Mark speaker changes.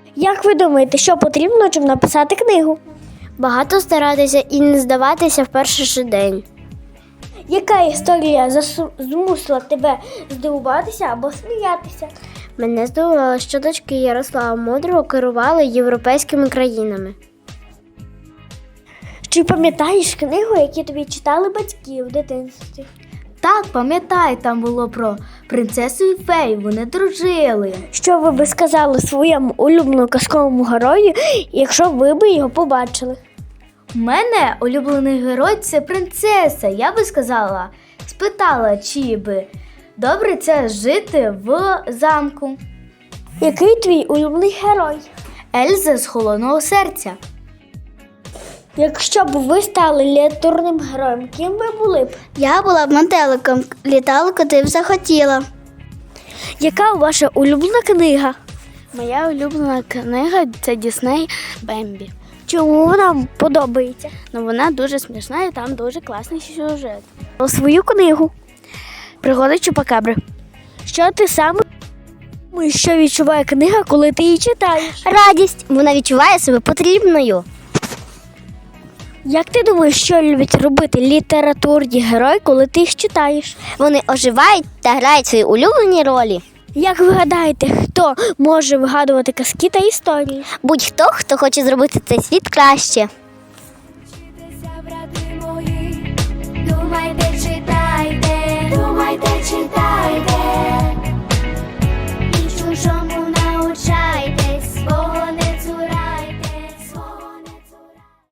Speaker 1: Як ви думаєте, що потрібно, щоб написати книгу?
Speaker 2: Багато старатися і не здаватися в перший же день.
Speaker 1: Яка історія змусила тебе здивуватися або сміятися?
Speaker 2: Мене здивувало, що дочки Ярослава Мудрого керували європейськими країнами.
Speaker 1: Чи пам'ятаєш книгу, яку тобі читали батьки в дитинстві?
Speaker 3: Так, пам'ятаю, там було про принцесу і фею, вони дружили.
Speaker 1: Що ви би сказали своєму улюбленому казковому герою, якщо ви би його побачили?
Speaker 3: У мене улюблений герой – це принцеса. Я би спитала, чи би добре це жити в замку.
Speaker 1: Який твій улюблений герой?
Speaker 3: Ельза з «Холодного серця».
Speaker 1: Якщо б ви стали літературним героєм, ким ви були б?
Speaker 2: Я була б метеликом, літала, куди б захотіла.
Speaker 1: Яка ваша улюблена книга?
Speaker 2: Моя улюблена книга – це Дісней «Бембі».
Speaker 1: Чому вона вам подобається?
Speaker 2: Ну, вона дуже смішна і там дуже класний сюжет.
Speaker 1: Про свою книгу.
Speaker 2: Пригоди Чупакабри.
Speaker 1: Що ти саме думаєш, що відчуває книга, коли ти її читаєш?
Speaker 2: Радість. Вона відчуває себе потрібною.
Speaker 1: Як ти думаєш, що люблять робити літературні герої, коли ти їх читаєш?
Speaker 2: Вони оживають та грають свої улюблені ролі.
Speaker 1: Як ви гадаєте, хто може вигадувати казки та історії?
Speaker 2: Будь-хто, хто хоче зробити цей світ краще.
Speaker 4: Думайте, читайте, думайте, читайте.